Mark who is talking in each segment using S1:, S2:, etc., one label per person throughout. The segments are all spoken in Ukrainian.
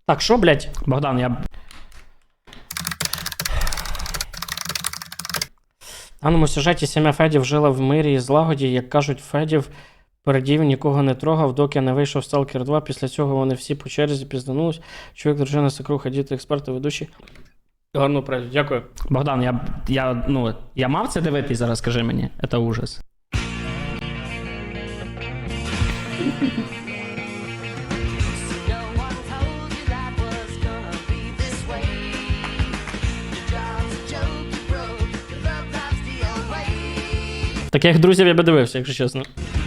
S1: Так, що, блядь? Богдан, я... В даному сюжеті сім'я Федів жила в мирі і злагоді. Як кажуть, Федів передів, нікого не трогав, доки не вийшов Сталкер 2. Після цього вони всі по черзі пізданулись. Чоловік, дружина, свекруха, діти, експерти, ведучі. Гарно працю. Дякую. Богдан, я мав це дивитись зараз, скажи мені. Це ужас. Таких друзів я би дивився, якщо чесно.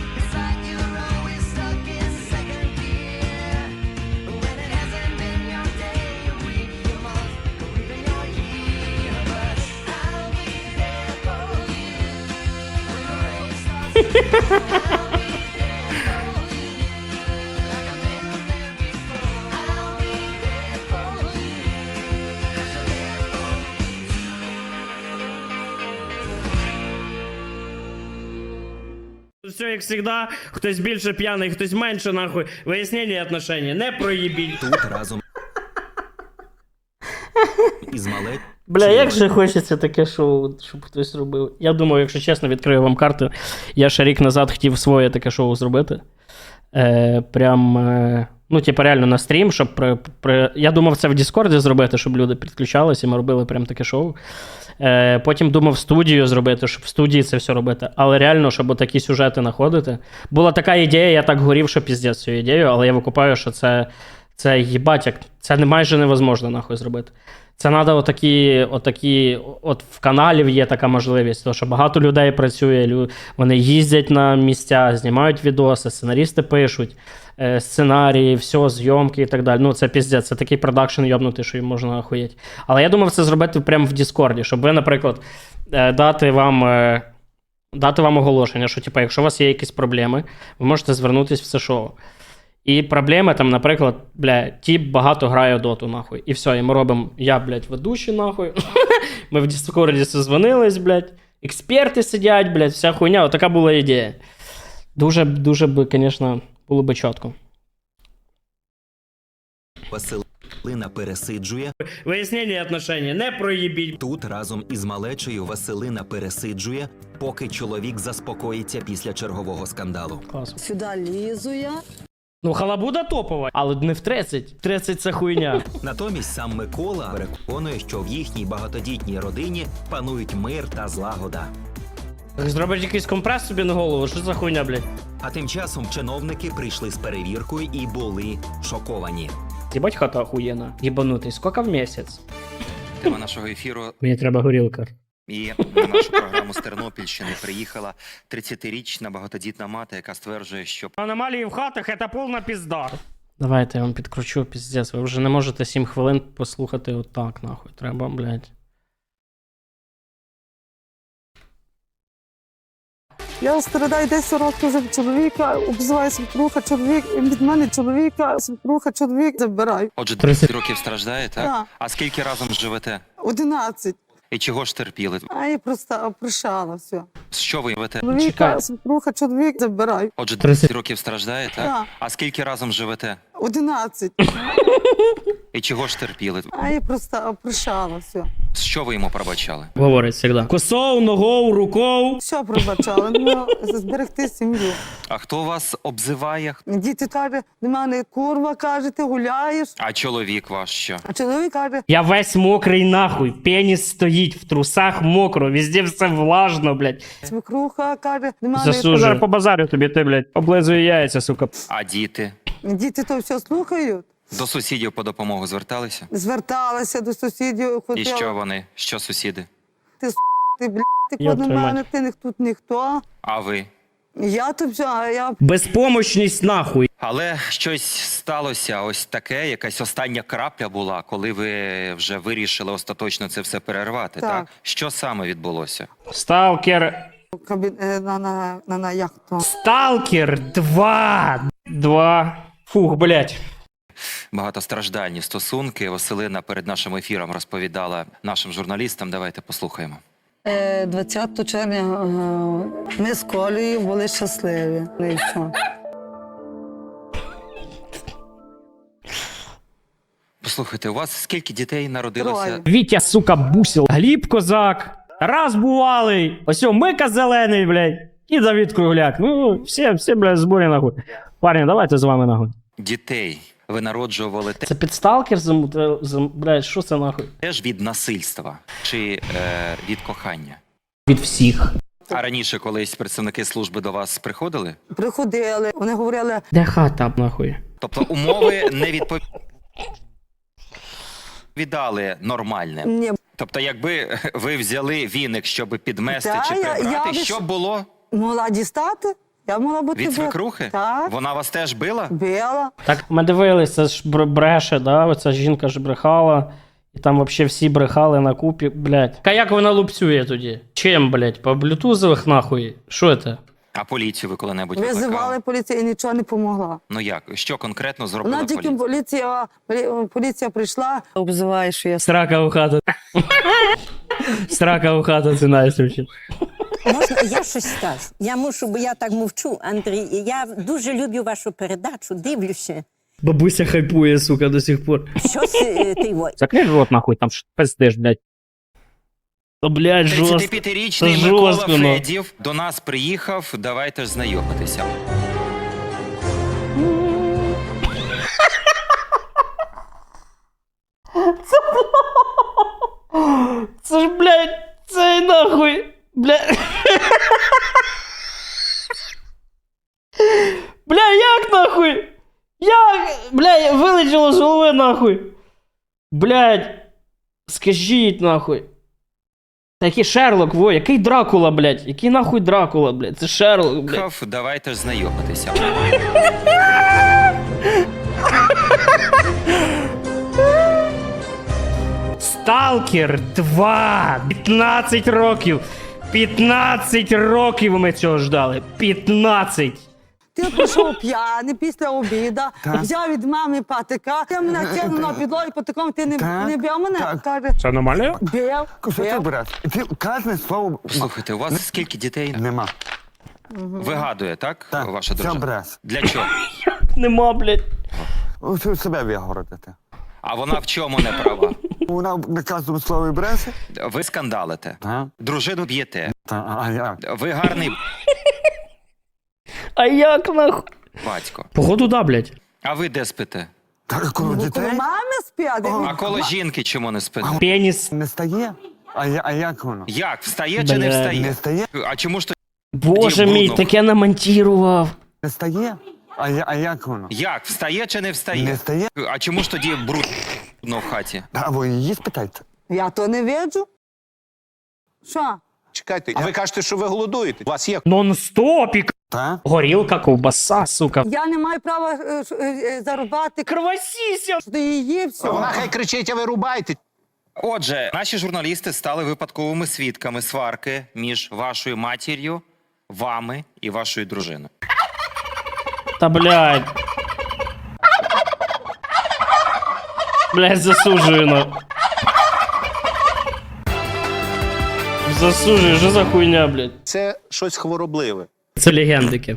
S1: Все, як завжди, хтось більше п'яний, хтось менше, нахуй. Вияснення отношення, не проїбіть.
S2: Тут разом із мале...
S1: Бля, як же хочеться таке шоу, щоб хтось робив. Я думаю, якщо чесно, відкрию вам карту. Я ще рік назад хотів своє таке шоу зробити. Ну, типу, реально на стрім, щоб я думав це в Діскорді зробити, щоб люди підключалися, і ми робили прям таке шоу. Потім думав студію зробити, щоб в студії це все робити. Але реально, щоб такі сюжети знаходити. Була така ідея, я так горів, що піздець цю ідею, але я викупаю, що це їбать, як це майже невозможно нахуй зробити. Це треба от в каналів є така можливість, тому що багато людей працює, вони їздять на місця, знімають відоси, сценарісти пишуть, сценарії, все, зйомки і так далі. Ну, це піздець, це такий продакшн йобнутий, що їм можна охуєть. Але я думав це зробити прямо в Діскорді, щоб ви, наприклад, дати вам оголошення, що, типу, якщо у вас є якісь проблеми, ви можете звернутися в це шоу. І проблеми там, наприклад, тіп багато грає доту, нахуй. І все, і ми робимо, ведучий, нахуй. Ми в Діскорді созвонились, експерти сидять, вся хуйня. Отака була ідея. Дуже би, звісно, було би чітко.
S2: Василина пересиджує.
S1: Вияснення отношення, не проїбіть.
S2: Тут разом із малечею Василина пересиджує, поки чоловік заспокоїться після чергового скандалу.
S1: Клас.
S3: Сюди лізу я.
S1: Ну, халабуда топова, але не в 30. 30 – це хуйня.
S2: Натомість сам Микола переконує, що в їхній багатодітній родині панують мир та злагода.
S1: Зробиш якийсь компрес собі на голову, що за хуйня, блядь?
S2: А тим часом чиновники прийшли з перевіркою і були шоковані.
S1: Єбать хата охуєнна. Єбанутий, скільки в місяць?
S4: Тема нашого ефіру
S1: Мені треба горілка.
S4: і на нашу програму з Тернопільщини приїхала 30-річна багатодітна мати, яка стверджує, що
S1: Аномалії в хатах – це повна пізда. Давайте я вам підкручу, піздець. Ви вже не можете 7 хвилин послухати отак, нахуй. Треба, блядь.
S3: Я страдаю 10 років вже від чоловіка, обзиваю свекруха, чоловік, і від мене чоловіка, свекруха, чоловік забирай.
S4: отже 30 років страждає, так?
S3: Так.
S4: А скільки разом живете?
S3: 11.
S4: І чого ж терпіли?
S3: А я просто прощала все.
S4: Що ви живете?
S1: Чекай.
S3: Чоловіка, свекруха, чоловік забирай.
S4: Отже 30 років страждає, так?
S3: Так.
S4: А скільки разом живете?
S3: 11.
S4: І чого ж терпіли?
S3: А я просто прощала все.
S4: Що ви йому пробачали?
S1: Говорить завжди. Косов, ногов, руков.
S3: Все пробачала, ну, зберегти сім'ю.
S4: А хто вас обзиває?
S3: Діти кажуть, до мене курва, каже, ти гуляєш.
S4: А чоловік ваш що?
S3: А чоловік каже,
S1: Я весь мокрий нахуй. Пеніс стоїть, в трусах мокро, везде все влажно, блядь.
S3: свекруха каже, до мене...
S1: Засужу. По базарю тобі, ти, блядь, облизує яйця, сука.
S4: А діти?
S3: Діти то все слухають.
S4: До сусідів по допомогу зверталися?
S3: Зверталася до сусідів,
S4: І
S3: хотіла.
S4: що вони? Що сусіди?
S3: Ти, блядь, ти
S1: Йоб
S3: клади
S1: твою
S3: мене,
S1: мать.
S3: ти тут ніхто.
S4: А ви?
S3: Я то все, а я...
S1: Безпомощність нахуй.
S4: Але щось сталося, ось таке, якась остання крапля була, коли ви вже вирішили остаточно це все перервати, так?
S3: Так.
S4: Що саме відбулося?
S1: Сталкер.
S3: Як то?
S1: Сталкер 2. Фух, блядь.
S4: Багатостраждальні стосунки. Василина перед нашим ефіром розповідала нашим журналістам. Давайте послухаємо.
S3: 20 червня ми з Колею були щасливі. Ну і все.
S4: Послухайте, у вас скільки дітей народилося?
S3: Троє.
S1: Вітя, сука, бусил. Гліб Козак. Раз бувалий. Ось Мика Зелений, блядь. І Давид Кругляк. Ну, всі, блядь, зборі нахуй. Парні, давайте з вами нахуй.
S4: Дітей ви народжували
S1: Це підсталкер, блядь, що це нахуй?
S4: теж від насильства чи від кохання?
S1: Від всіх.
S4: А раніше колись представники служби до вас приходили?
S3: Приходили, вони говорили,
S1: Де хата, нахуй?
S4: Тобто умови не відповідали нормальним?
S3: ні,
S4: Тобто, якби ви взяли віник, щоб підмести
S3: Та,
S4: чи
S3: я
S4: прибрати,
S3: виш-
S4: що б було?
S3: могла дістати. Я могла бути
S4: Від свекрухи?
S3: Так,
S4: Вона вас теж била?
S3: била.
S1: Так, ми дивилися, це ж бреше, да? Оця жінка ж брехала. І там взагалі всі брехали на купі, блядь. А як вона лупцює тоді? Чим, блядь? По блютузових нахуй? Що це?
S4: А поліцію ви коли-небудь
S3: Визивали
S4: викликали?
S3: поліцію і нічого не помогла.
S4: Ну як? Що конкретно зробила
S3: Вона тільки
S4: поліція?
S3: поліція прийшла, обзиває, що я
S1: Срака у хату. Срака у хату, це найсвіше.
S5: Можна, я щось скажу. Я мушу, бо я так мовчу, Андрій. Я дуже люблю вашу передачу, дивлюся.
S1: Бабуся хайпує, сука, до сих пор.
S5: Щось ти ой.
S1: Закрий рот, нахуй, там ж пиздиш, блядь. О, блядь, жорстко.
S4: 35-річний
S1: Це
S4: Микола
S1: жорстко, ну.
S4: Федів до нас приїхав, давайте ж знайомитися.
S1: Це ж, блядь, це нахуй, блядь. Бля, як нахуй? Як? Бля, вилетіло з голови нахуй. Блядь. Скажіть нахуй. Та який Шерлок, во, який Дракула, блядь? Який нахуй Дракула, блядь? Це Шерлок, блядь.
S4: Приїхав, давайте ж знайомитися.
S1: Сталкер 2. 15 років. 15 років ми цього ждали. 15.
S3: Ти прийшов п'яний після обіда, взяв від мами патика, ти мене кинув на підлогу і патиком, ти не бив мене?
S6: так.
S3: Каже,
S1: Це нормально?
S3: бив,
S6: Що ти
S3: бив.
S6: брат? Ти кожне слово
S4: Слухайте, у вас скільки дітей?
S6: нема.
S4: Вигадує, так,
S6: Так,
S4: ваша
S6: це
S4: дружина?
S6: брат.
S4: Для чого?
S1: Нема, блядь.
S6: Ось себе вигородити.
S4: А вона в чому не права?
S6: Вона на кожному слові бреше.
S4: Ви скандалите,
S6: Та?
S4: дружину б'єте,
S6: Та, а як?
S4: ви гарний
S1: А як нахуй?
S4: батько.
S1: Походу, да, блядь.
S4: А ви де спите?
S6: Так, коли
S3: Ну,
S6: дітей
S3: коли мами сп'яти,
S4: А коло жінки чому не спите?
S1: Пеніс.
S6: не стає. А як воно?
S4: Як? Встає чи не
S1: Бля,
S4: встає?
S6: Не стає?
S4: А чому ж то
S1: Боже
S4: Тоді
S1: мій,
S4: брудно.
S1: таке намонтірував.
S6: Не стає? А як воно?
S4: як? Встає чи не встає?
S6: Не стає?
S4: А чому ж тоді брудно в хаті?
S6: А ви її спитайте.
S3: я то не виджу. Що?
S7: Чекайте, а ви кажете, що ви голодуєте? У вас є
S1: Нон-стопік.
S6: Та?
S1: Горілка, ковбаса, сука.
S3: Я не маю права зарубати,
S1: Кровосіся.
S3: що ти її все.
S7: вона хай кричить, а ви рубаєте.
S4: Отже, наші журналісти стали випадковими свідками сварки між вашою матір'ю, вами і вашою дружиною.
S1: Та, блядь. Блядь, засуджую, ну. Засуджую, що за хуйня, блядь.
S7: Це щось хворобливе.
S1: Це легендики.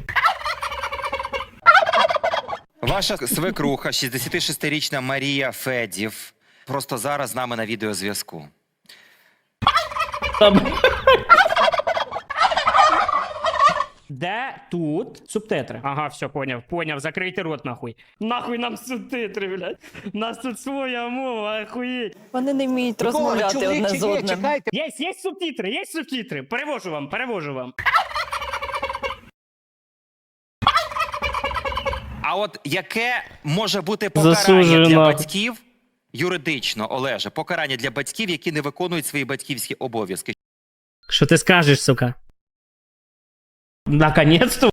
S4: Ваша свекруха, 66-річна Марія Федів, просто зараз з нами на відеозв'язку.
S1: Та, де тут субтитри? Ага, все, поняв, закрийте рот, нахуй. Нахуй нам субтитри, блядь. У нас тут своя мова, охуєть.
S8: Вони не вміють розмовляти одне з одним.
S7: Чекайте.
S1: Є субтитри. Перевожу вам.
S4: А от яке може бути покарання
S1: Засуджую,
S4: для
S1: нахуй.
S4: батьків, юридично, Олеже, покарання для батьків, які не виконують свої батьківські обов'язки?
S1: Що ти скажеш, сука? Наконец-то.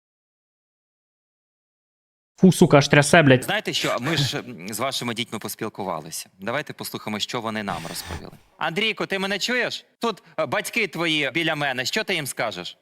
S1: Фу, сука, аж трясе, блядь.
S4: Знаєте що, ми ж з вашими дітьми поспілкувалися. Давайте послухаємо, що вони нам розповіли. Андрійко, ти мене чуєш? Тут батьки твої біля мене, що ти їм скажеш?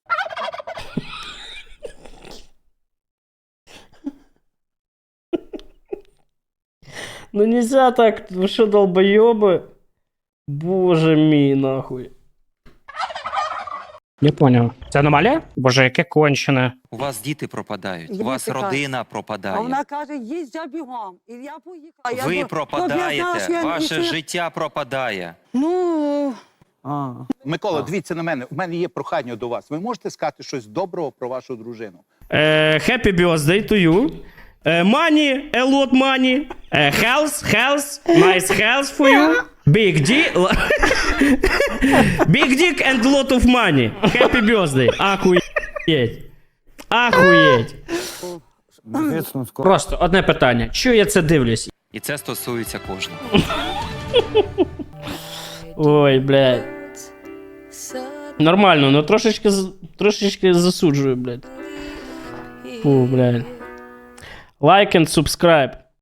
S1: Ну нельзя так, вы что, долбоёбы? Боже мій, нахуй. Не поняв. Це аномалія? Боже, яке кончене.
S4: У вас діти пропадають, у
S3: Я
S4: вас
S3: така.
S4: родина
S3: А
S4: пропадає.
S3: вона каже, їсть я бігом. І я поїхала. Я
S4: Ви
S3: думаю,
S4: пропадаєте,
S3: «Ну, я знала, що я
S4: ваше
S3: не-
S4: життя пропадає.
S3: Ну,
S6: А.
S7: Микола, дивіться на мене. У мене є прохання до вас. Ви можете сказати щось доброго про вашу дружину?
S1: Happy birthday to you. Money, a lot money. Health, nice health for you. Big dick. Big dick and lot of money. Happy birthday. Ахуєть. Ахуєть.
S6: Звісно, скоро.
S1: Просто одне питання. Чого я це дивлюсь?
S4: І це стосується кожного.
S1: Ой, блядь. Нормально, но трошечки засуджую, блядь. Фу, блядь. Like and subscribe.